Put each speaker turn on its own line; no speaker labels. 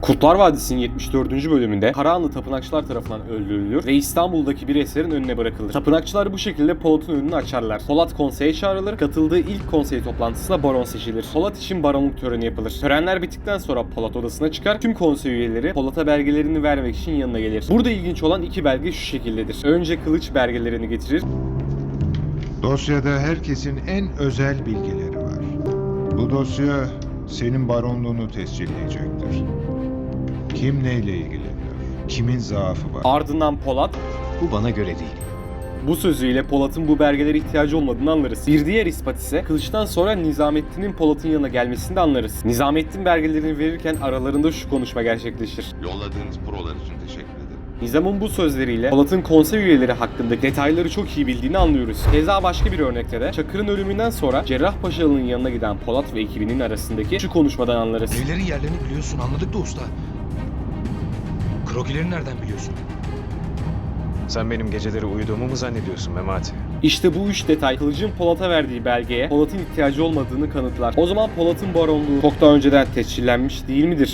Kurtlar Vadisi'nin 74. bölümünde Karahanlı tapınakçılar tarafından öldürülür ve İstanbul'daki bir eserin önüne bırakılır. Tapınakçılar bu şekilde Polat'ın önünü açarlar. Polat konseye çağrılır, katıldığı ilk konsey toplantısında baron seçilir. Polat için baronluk töreni yapılır. Törenler bittikten sonra Polat odasına çıkar, tüm konsey üyeleri Polat'a belgelerini vermek için yanına gelir. Burada ilginç olan iki belge şu şekildedir. Önce Kılıç belgelerini getirir.
Dosyada herkesin en özel bilgileri var. Bu dosya senin baronluğunu tescilleyecektir. Kim neyle ilgileniyor? Kimin zaafı var?
Ardından Polat
Bu bana göre değil.
bu sözüyle Polat'ın bu belgelere ihtiyacı olmadığını anlarız. Bir diğer ispat ise Kılıç'tan sonra Nizamettin'in Polat'ın yanına gelmesini de anlarız. Nizamettin belgelerini verirken aralarında şu konuşma gerçekleşir.
Yolladığınız prolar için teşekkür ederim.
Nizam'ın bu sözleriyle Polat'ın konsey üyeleri hakkındaki detayları çok iyi bildiğini anlıyoruz. Keza başka bir örnekte de Çakır'ın ölümünden sonra Cerrahpaşalı'nın yanına giden Polat ve ekibinin arasındaki şu konuşmadan anlarız.
Evlerin yerlerini biliyorsun, anladık da usta. Krokileri nereden biliyorsun?
Sen benim geceleri uyuduğumu mu zannediyorsun Memati?
İşte bu üç detay Kılıç'ın Polat'a verdiği belgeye Polat'ın ihtiyacı olmadığını kanıtlar. O zaman Polat'ın baronluğu çok daha önceden tescillenmiş değil midir?